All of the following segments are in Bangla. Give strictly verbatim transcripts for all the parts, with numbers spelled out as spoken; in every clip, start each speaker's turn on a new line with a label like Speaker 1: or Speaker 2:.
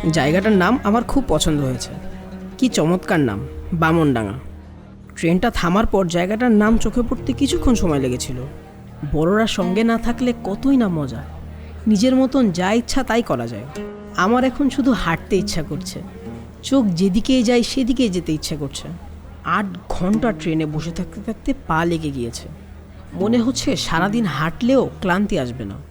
Speaker 1: জায়গাটার নাম আমার খুব পছন্দ হয়েছে। কি চমৎকার নাম, বামনডাঙ্গা। ট্রেনটা থামার পর জায়গাটার নাম চোখে পড়তে কিছুক্ষণ সময় লেগেছিল। বড়রা সঙ্গে না থাকলে কতই না মজা, নিজের মতন যা ইচ্ছা তাই করা যায়। আমার এখন শুধু হাঁটতে ইচ্ছা করছে, চোখ যেদিকেই যায় সেদিকেই যেতে ইচ্ছা করছে। আট ঘন্টা ট্রেনে বসে থাকতে থাকতে পা লেগে গিয়েছে, মনে হচ্ছে সারাদিন হাঁটলেও ক্লান্তি আসবে না।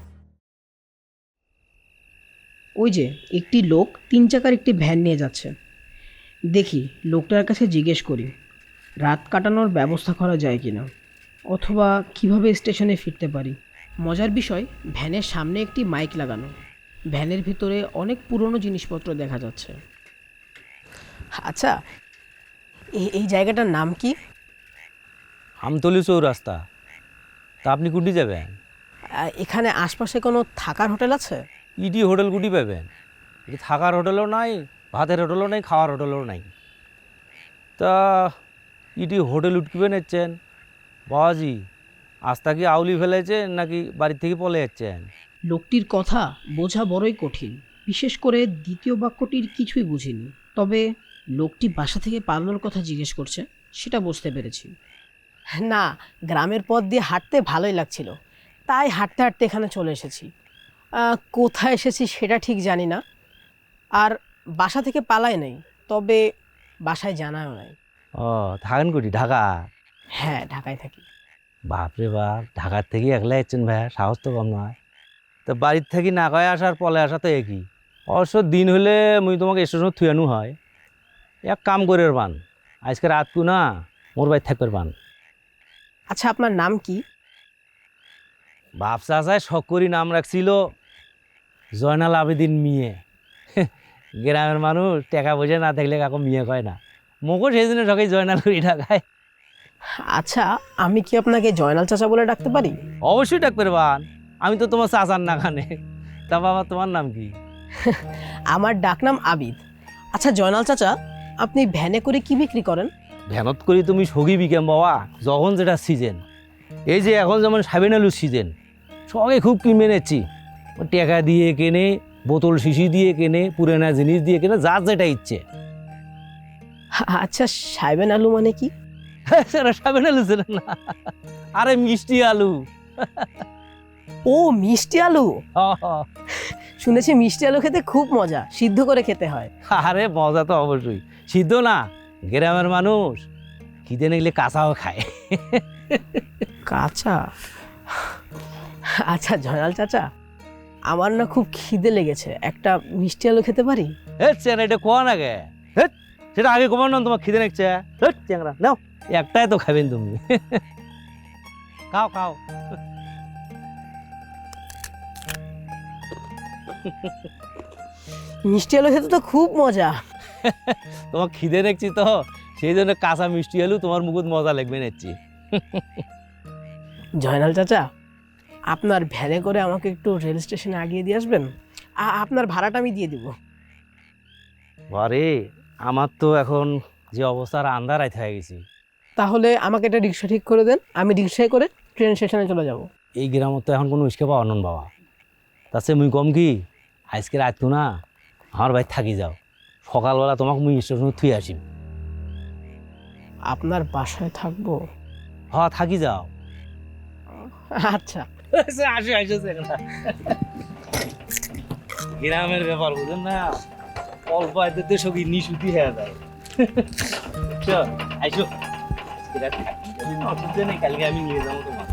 Speaker 1: ওই যে একটি লোক তিন চাকার একটি ভ্যান নিয়ে যাচ্ছে, দেখি লোকটার কাছে জিজ্ঞেস করি রাত কাটানোর ব্যবস্থা করা যায় কিনা, অথবা কিভাবে স্টেশনে ফিরতে পারি। মজার বিষয়, ভ্যানের সামনে একটি মাইক লাগানো, ভ্যানের ভিতরে অনেক পুরনো জিনিসপত্র দেখা যাচ্ছে। আচ্ছা, এই এই জায়গাটার নাম কি?
Speaker 2: আমতলি চৌরাস্তা। তা আপনি কুটি যাবেন?
Speaker 1: এখানে আশপাশে কোনো থাকার হোটেল আছে?
Speaker 2: ইডি হোটেল কুটি পাবেন? এটি থাকার হোটেলও নাই, ভাতের হোটেলও নাই, খাওয়ার হোটেলও নাই। তা ইডি হোটেল উঠকিবে নিচ্ছেন বাবাজি? আস্তা কি আউলি ফেলেছেন নাকি বাড়ির থেকে পলে যাচ্ছেন?
Speaker 1: লোকটির কথা বোঝা বড়ই কঠিন, বিশেষ করে দ্বিতীয় বাক্যটির কিছুই বুঝিনি। তবে লোকটি বাসা থেকে পালানোর কথা জিজ্ঞেস করছে সেটা বুঝতে পেরেছি। না, গ্রামের পথ দিয়ে হাঁটতে ভালোই লাগছিল, তাই হাঁটতে হাঁটতে এখানে চলে এসেছি। কোথায় এসেছি সেটা ঠিক জানি না, আর বাসা থেকে পালাই নাই, তবে বাসায় জানাও নাই।
Speaker 2: ও, থাকেন কুটি? ঢাকা?
Speaker 1: হ্যাঁ, ঢাকায় থাকি।
Speaker 2: বাপরে বাপ, ঢাকার থেকে একলা যাচ্ছেন ভাইয়া, সাহস তো কম নয়। তা বাড়ির থেকে না কয়ে আসার পলে আসা তো একই। অবশ্য দিন হলে মুই তোমাকে স্টেশনে থুয়ানো হয়। এক কাম করে পান, আজকে রাতকু না মোর বাড়ি থাকবে পান।
Speaker 1: আচ্ছা, আপনার নাম কি?
Speaker 2: বাপ চাচায় শখ করি নাম রাখছিল জয়নাল আবেদিন মিয়ে। গ্রামের মানুষ টাকা পয়সা না থাকলে কাকু মিয়ে কয় না, মোকও সেই জন্য সবাই জয়নাল করি ঢাকায়।
Speaker 1: আচ্ছা, আমি কি আপনাকে জয়নাল চাচা বলে ডাকতে পারি?
Speaker 2: অবশ্যই ডাকতে পারবান, আমি তো তোমার চাচার না খানে। তা বাবা, তোমার নাম কি?
Speaker 1: আমার ডাকনাম আবিদ। আচ্ছা জয়নাল চাচা, আপনি ভ্যানে করে কি বিক্রি করেন?
Speaker 2: ভ্যানত করি তুমি সগি বিকেম বাবা, যখন যেটা সিজন। এই যে এখন যেমন সাবেন আলুর সিজন, সবাই খুব কিনে নেছি। টাকা দিয়ে কেনে, বোতল শিশি দিয়ে কেনে, পুরানা জিনিস দিয়ে কেনে, যার যেটা ইচ্ছে।
Speaker 1: আচ্ছা, সাইবেন আলু মানে কি?
Speaker 2: সেটা সাবেন আলু ছিল না, আরে মিষ্টি আলু।
Speaker 1: ও, মিষ্টি আলু। শুনেছি মিষ্টি আলু খেতে খুব মজা, সিদ্ধ করে খেতে হয়।
Speaker 2: আরে মজা তো অবশ্যই, সিদ্ধ না, গ্রামের মানুষ খিদে নিলে কাঁচাও খায়।
Speaker 1: কাঁচা? আচ্ছা জয়নাল চাচা, আমার না খুব খিদে লেগেছে, একটা মিষ্টি আলু খেতে পারি?
Speaker 2: হ্যাঁ চেনা, এটা কোয়া না গে, হ্যাঁ সেটা আগে কমান না, তোমার খিদে নিচ্ছে। হ্যাঁ চ্যাংরা, নাও একটাই তো খাবেন তুমি, খাও খাও।
Speaker 1: মিষ্টি আলু খেতে তো খুব মজা।
Speaker 2: তোমার খিদে দেখছি তো, সেই জন্য কাঁচা মিষ্টি আলু তোমার মুখত মজা লাগবে নিচ্ছি।
Speaker 1: জয়নাল চাচা, আপনার ভ্যানে করে আমাকে একটু রেল স্টেশনে আগিয়ে দিয়ে আসবেন, আপনার ভাড়াটা আমি দিয়ে দিব।
Speaker 2: আরে আমার তো এখন যে অবস্থার আন্দার আইতে হয়ে গেছি।
Speaker 1: তাহলে আমাকে একটা রিক্সা ঠিক করে দেন, আমি রিক্সায় করে ট্রেন স্টেশনে চলে যাব।
Speaker 2: এই গ্রামত তো এখন কোনো উস্কে পাওয়া নন বাবা। তাছে মুই কম কি, আজকে রাত তো না আমার বাড়ি থাকি যাও, সকালবেলা তোমাকে মুই স্টেশনে থুয়ে আসি।
Speaker 1: আপনার বাসায় থাকবো?
Speaker 2: হ্যাঁ থাকি যাও।
Speaker 1: আচ্ছা।
Speaker 2: আসো আসো, গ্রামের ব্যাপার বুঝেন না, অল্প আয়তে সবই নিশুতি হয়ে যায়। আইসো, কালকে আমি নিয়ে যাবো তোমার।